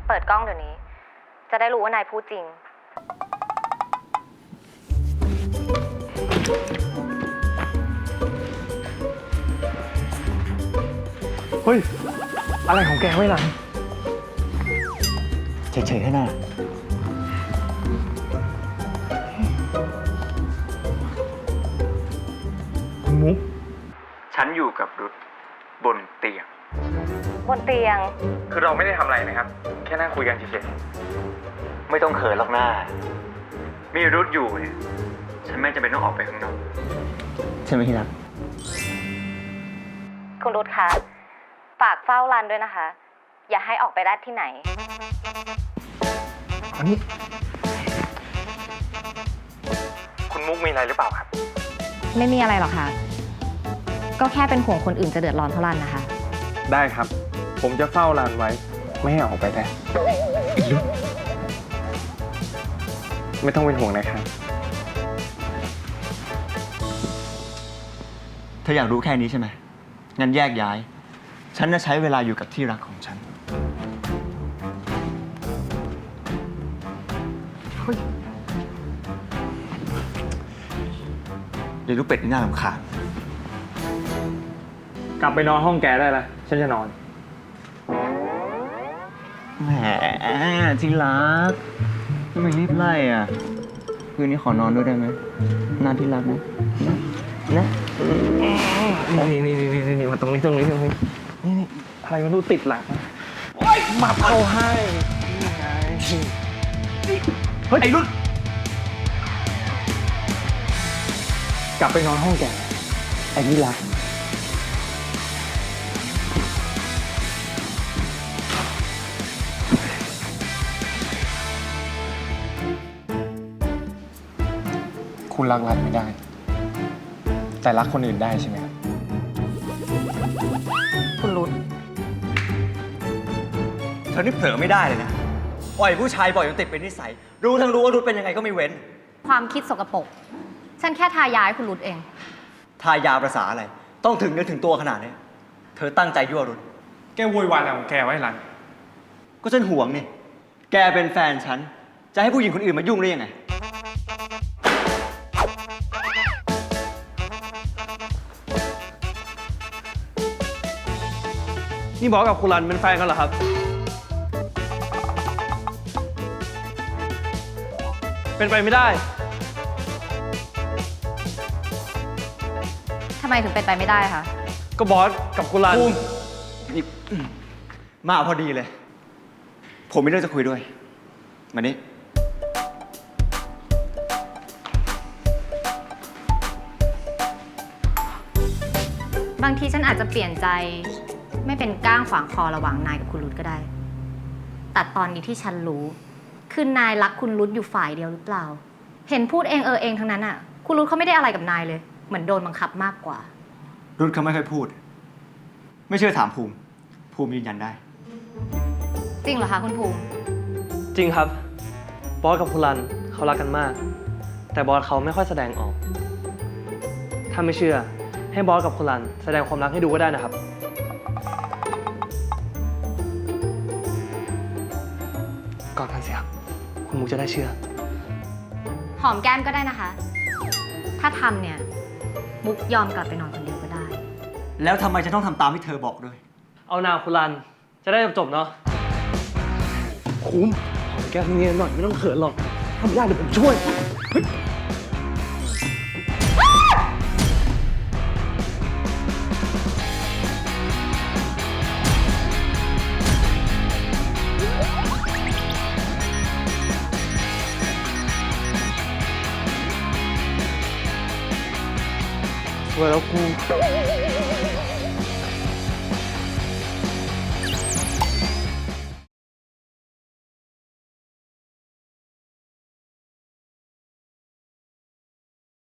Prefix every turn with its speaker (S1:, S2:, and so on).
S1: เปิดกล้องเดี๋ยวนี้ จะได้รู้ว่านายพูดจริง
S2: เฮ้ย อะไรของแกไว้หลัง
S3: เฉยๆแค่นั้น
S2: คุณมุก
S3: ฉันอยู่กับรุธบนเตียง
S1: บนเตียง
S2: คือเราไม่ได้ทำอะไรนะครับ แค่นั่งคุยกันเฉย
S3: ไม่ต้องเขินหรอกหน้า มีรุธอยู่เนี่ย ฉันไม่จำเป็นต้องออกไปข้างนอกใช่ไหมที่รัก
S1: คุณรุธคะ ฝากเฝ้ารันด้วยนะคะ อย่าให้ออกไปได้ที่ไหน
S2: ๆอันนี้ คุณมุกมีอะไรหรือเปล่าครับ
S1: ไม่มีอะไรหรอกค่ะ ก็แค่เป็นห่วงคนอื่นจะเดือดร้อนเท่านั้นนะคะ
S2: ได้ครับ ผมจะเฝ้าร้านไว้ ไม่ให้ออกไปได้ไม่ต้องเป็นห่วงนะครับ
S3: เธออยากรู้แค่นี้ใช่ไหม งั้นแยกย้าย ฉันจะใช้เวลาอยู่กับที่รักของฉัน เดี๋ยวลูกเป็ดนี่น่ารำคาญ
S2: กลับไปนอนห้องแกได้แล้วฉันจะนอน
S3: แหมที่รักทำไมรีบไล่อ่ะ คืนนี้ขอนอนด้วยได้ไหมนานที่รักนะนะ
S2: นี่มาตรงนี้นี่อะไรมันดูติดหลังมาเอาให้นี่ไงเฮ้ยไอ้รุ่นกลับไปนอนห้องแกไอ้นี่รักคุณรักรันไม่ได้ แต่รักคนอื่นได้ใช่ไหมครับ
S1: คุณรุธ
S3: เธอนี่เผลอไม่ได้เลยนะ ปล่อยผู้ชายบ่อยจนติดเป็นนิสัย รู้ทั้งรู้ว่ารุธเป็นยังไงก็ไม่เว้น
S1: ความคิดสกปรก ฉันแค่ทายาให้คุณรุธเอง
S3: ทายาประสาอะไร ต้องถึงเนื้อถึงตัวขนาดนี้ เธอตั้งใจยั่วรุธ
S2: แกโวยวายอะไรของแกไว้รัน
S3: ก็ฉันห่วงนี่ แกเป็นแฟนฉัน จะให้ผู้หญิงคนอื่นมายุ่งได้ยังไง
S4: นี่บอสกับคุณรันเป็นแฟนกันเหรอครับ เป็นไปไม่ได้
S1: ทำไมถึงเป็นไปไม่ได้คะ
S4: ก็บอสกับคุณรัน
S3: ภูมินี่มาพอดีเลย ผมมีเรื่องจะคุยด้วย มานี่
S1: บางทีฉันอาจจะเปลี่ยนใจ ไม่เป็นก้างขวางคอระหว่างนายกับคุณรุธก็ได้ แต่ตอนนี้ที่ฉันรู้ คือนายรักคุณรุธอยู่ฝ่ายเดียวหรือเปล่า เห็นพูดเองเองทั้งนั้นอ่ะ คุณรุธเขาไม่ได้อะไรกับนายเลย เหมือนโดนบังคับมากกว่า
S3: รุธเขาไม่ค่อยพูด ไม่เชื่อถามภูมิ ภูมิยืนยันได้
S1: จริงเหรอคะคุณภูมิ
S4: จริงครับ บอสกับคุณรันเขารักกันมาก แต่บอสเขาไม่ค่อยแสดงออก ถ้าไม่เชื่อ ให้บอสกับคุณรันแสดงความรักให้ดูก็ได้นะครับ ก่อนกันเสียคุณมุกจะได้เชื่อ
S1: หอมแก้มก็ได้นะคะ ถ้าทำเนี่ย มุกยอมกลับไปนอนคนเดียวก็ได้
S3: แล้วทำไมจะต้องทำตามที่เธอบอกด้วย
S4: เอานาคุณรันจะได้จบๆเนาะคุ้มหอมแก้มเนียนหน่อยไม่ต้องเขินหรอกทำไม่ได้เดี๋ยวผมช่วย สวยแล้วกู